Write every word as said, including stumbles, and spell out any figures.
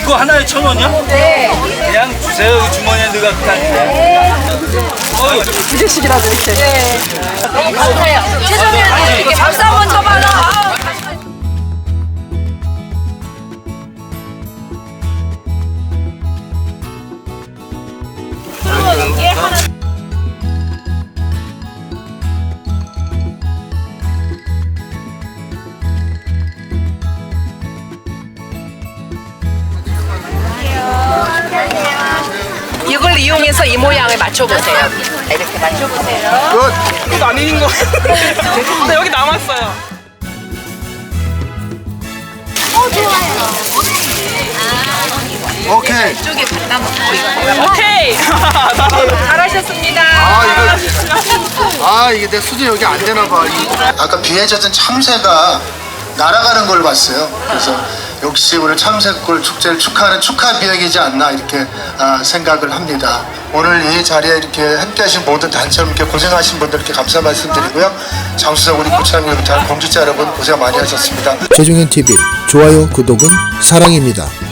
이거 하나에 천 원이야? 네. 그냥 주세요. 여기 주머니에 넣어갖고 다니네. 어휴. 주제식이라도 이렇게. 네. 너무 감사해요. 최선을 이렇게 박수 한번 쳐봐라. 이게 하나. 이걸 이용해서 이 모양을 맞춰보세요. 이렇게 맞춰보세요. 끝. 이거 아닌 거. 근데 여기 남았어요. 어, 좋아요. 오케이. 이쪽에 갖다 놓고 이거. 오케이. 잘하셨습니다. 아 이거 아 이게 내 수준 여기 안 되나 봐. 아까 비에 젖은 참새가 날아가는 걸 봤어요. 그래서 역시 오늘 참새골 축제를 축하하는 축하 비행이지 않나 이렇게 아, 생각을 합니다. 오늘 이 자리에 이렇게 함께하신 모든 단체로 이렇게 고생하신 분들께 감사 말씀드리고요. 장수석 우리 고창 여러분, 공직자 여러분 고생 많이 하셨습니다. 최종현 티비 좋아요 구독은 사랑입니다.